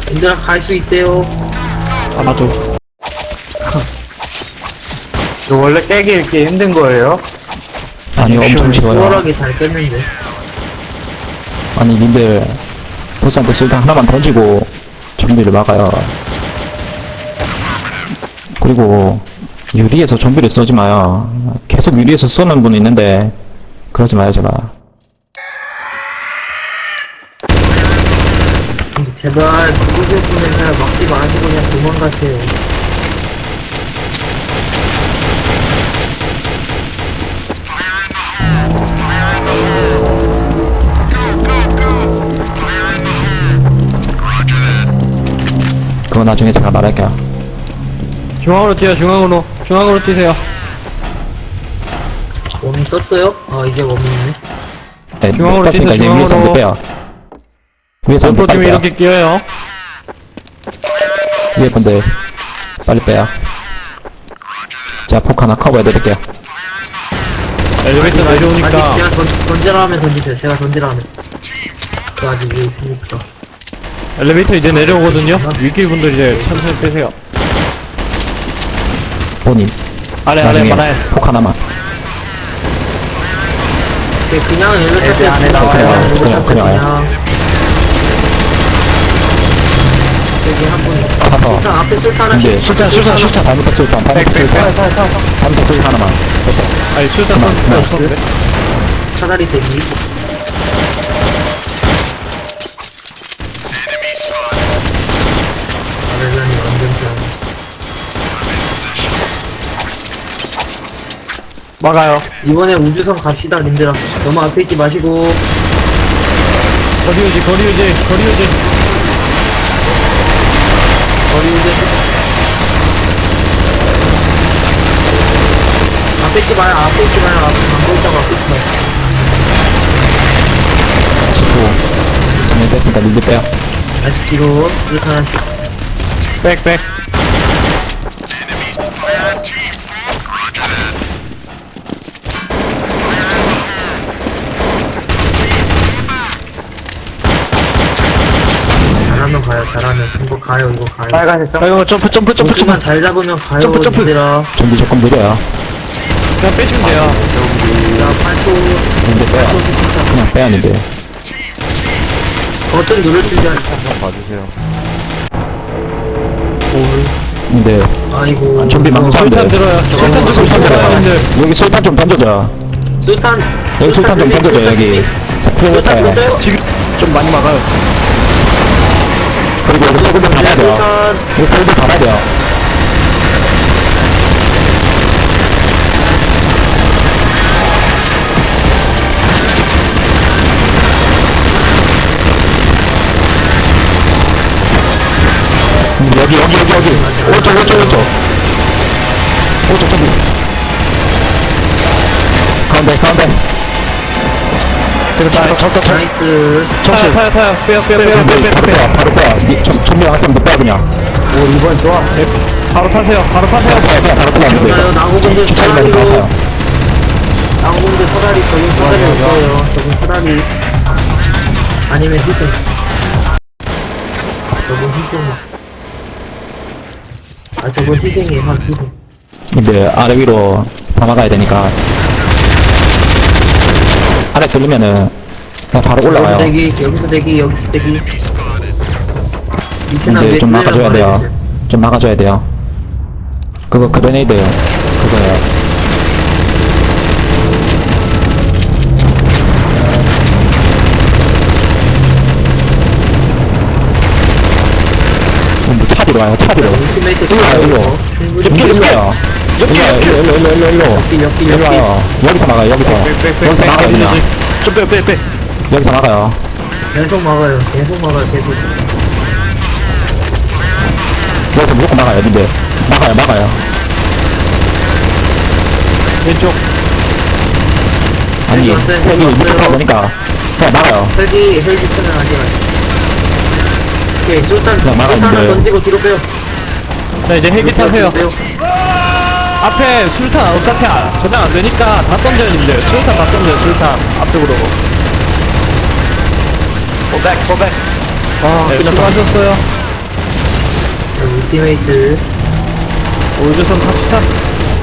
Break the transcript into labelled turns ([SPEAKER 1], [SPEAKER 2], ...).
[SPEAKER 1] 얘들아 갈 수 있대요.
[SPEAKER 2] 아마도.
[SPEAKER 3] 이거 원래 깨기 이렇게 힘든 거예요?
[SPEAKER 2] 아니, 엄청 쉬워요.
[SPEAKER 1] 수월하게 잘 깼는데.
[SPEAKER 2] 아니, 님들, 보스한테 술탄 하나만 던지고, 좀비를 막아요. 그리고, 유리에서 좀비를 쏘지 마요. 계속 유리에서 쏘는 분 있는데, 그러지 마요, 제발.
[SPEAKER 1] 제발 누구들 분을 그냥 막지 마시고 그냥 도망가세요.
[SPEAKER 2] 그거 나중에 제가 말할게요.
[SPEAKER 3] 중앙으로 뛰어, 중앙으로. 중앙으로 뛰세요.
[SPEAKER 1] 몸이 떴어요? 아 이제 몸이 있네.
[SPEAKER 2] 네,
[SPEAKER 3] 중앙으로
[SPEAKER 2] 떴으니까 이제
[SPEAKER 3] 뛰세요,
[SPEAKER 2] 위에서 한번
[SPEAKER 3] 중앙으로.
[SPEAKER 2] 빼요. 위에서 한번
[SPEAKER 3] 점프
[SPEAKER 2] 빨리
[SPEAKER 3] 팀이
[SPEAKER 2] 빼요.
[SPEAKER 3] 이렇게 뛰어요.
[SPEAKER 2] 위에 분들, 빨리 빼요. 제가 폭 하나 커버해드릴게요.
[SPEAKER 3] 엘리베이터 내려오니까.
[SPEAKER 1] 아직 제가 던지라 하면 던지세요. 제가 던지라 하면. 저 아직 위에 있으니까.
[SPEAKER 3] 엘리베이터 이제 내려오거든요. 위기 분들 이제 천천히 빼세요.
[SPEAKER 2] 본인.
[SPEAKER 3] 아래,
[SPEAKER 2] 나중에
[SPEAKER 3] 아래.
[SPEAKER 2] 폭 하나만.
[SPEAKER 1] 그냥 엘리베이터
[SPEAKER 3] 안에 나와요.
[SPEAKER 2] 그냥 와요.
[SPEAKER 1] 여기 한 분이.
[SPEAKER 2] 가서.
[SPEAKER 1] 일단 앞에 쏠 하나.
[SPEAKER 2] 이제 술탄 잘못했 술탄 잘못했 술탄 잘못했 술 하나만 됐어.
[SPEAKER 3] 아니, 술탄
[SPEAKER 2] 그만,
[SPEAKER 3] 던질 수
[SPEAKER 2] 그만.
[SPEAKER 3] 없었는데.
[SPEAKER 1] 사다리 대기. 아래전이 완전 짱.
[SPEAKER 3] 막아요.
[SPEAKER 1] 이번에 우주선 갑시다, 님들아. 너무 앞에 있지 마시고.
[SPEAKER 3] 거리 유지.
[SPEAKER 1] 거리 우주. 앞에 있지 마요, 앞에 있지 마요. 안 보이다가 앞에 있지 마요.
[SPEAKER 2] 19 정리됐으니까 님들 빼요.
[SPEAKER 1] 다시 뒤로, 이렇게 하나씩.
[SPEAKER 3] 백.
[SPEAKER 1] 잘하면 가요, 잘하면. 이거 가요, 이거 가요.
[SPEAKER 3] 빨간색 점. 이거 점프.
[SPEAKER 1] 우주만 잘 잡으면 가요,
[SPEAKER 3] 점프.
[SPEAKER 1] 님들아.
[SPEAKER 2] 준비 조금 느려요.
[SPEAKER 3] 그냥 빼시면 돼요.
[SPEAKER 1] 자, 팔도,
[SPEAKER 2] 님들 빼요. 그냥 빼야 님들.
[SPEAKER 1] 버튼 누를 수 있게.
[SPEAKER 2] 님들
[SPEAKER 1] 아이고.
[SPEAKER 2] 좀비 막는 사람들.
[SPEAKER 3] 술탄 들어요.
[SPEAKER 2] 술탄 들어요.
[SPEAKER 3] 사람들.
[SPEAKER 2] 여기 술탄 좀 던져줘.
[SPEAKER 1] 술탄.
[SPEAKER 2] 여기 술탄 좀 던져줘 여기.
[SPEAKER 1] 술탄
[SPEAKER 2] 프로타요.
[SPEAKER 1] 던져요?
[SPEAKER 3] 지금 좀 많이 막아요.
[SPEAKER 2] 그리고 여기 소금도 받아야 돼요.
[SPEAKER 1] 술탄.
[SPEAKER 2] 여기 소금도 받아야 돼요. 여기 오른쪽 저기 가운데
[SPEAKER 3] 그렇다.
[SPEAKER 1] 나이스.
[SPEAKER 3] 타요. 빼요.
[SPEAKER 2] 바로 빼 전명 한 번 더 빼 그냥
[SPEAKER 3] 바로 타세요.
[SPEAKER 2] 바로 빼
[SPEAKER 1] 나요, 나고분들
[SPEAKER 2] 주차기까지
[SPEAKER 1] 사다리로.
[SPEAKER 2] 가요.
[SPEAKER 1] 나고분들 사다리, 저긴 사다리 없어요. 저긴 사다리. 아니면 희생. 저건 희생. 아, 저건 희생이에요, 희생.
[SPEAKER 2] 근데 아래 위로 다 막아야 되니까 아래 들리면은 그냥 바로 올라가요.
[SPEAKER 1] 여기서 대기.
[SPEAKER 2] 근데 좀 막아줘야 돼요. 그거 그레네이드요. 그거요. 차비로 와요.
[SPEAKER 1] 울티메이트
[SPEAKER 2] 일로 와요. 일로 와요. 일로 와요. 여기서 막아요. 여기서 막아요. 그냥
[SPEAKER 3] 좀 빼.
[SPEAKER 2] 여기서 막아요.
[SPEAKER 1] 계속 막아요.
[SPEAKER 2] 여기서 무조건 막아요. 근데 막아요.
[SPEAKER 3] 왼쪽.
[SPEAKER 2] 아니
[SPEAKER 1] 왔어요.
[SPEAKER 2] 헬기 무조건 보니까 그냥 막아요.
[SPEAKER 1] 헬기 편은 아니야. 오케이,
[SPEAKER 2] 그냥 막아야
[SPEAKER 1] 술탄
[SPEAKER 2] 돼요.
[SPEAKER 1] 던지고 뒤로 빼요.
[SPEAKER 3] 자, 이제 헬기 타세요.
[SPEAKER 1] 빼요.
[SPEAKER 3] 앞에 술탄 어차피 저장 안 되니까 다 던져요, 님들. 술탄 다 던져요, 술탄. 앞쪽으로. 고백.
[SPEAKER 1] 아,
[SPEAKER 3] 네,
[SPEAKER 1] 끝났다.
[SPEAKER 3] 수고하셨어요.
[SPEAKER 1] 팀메이트.
[SPEAKER 3] 우주선 탑시다.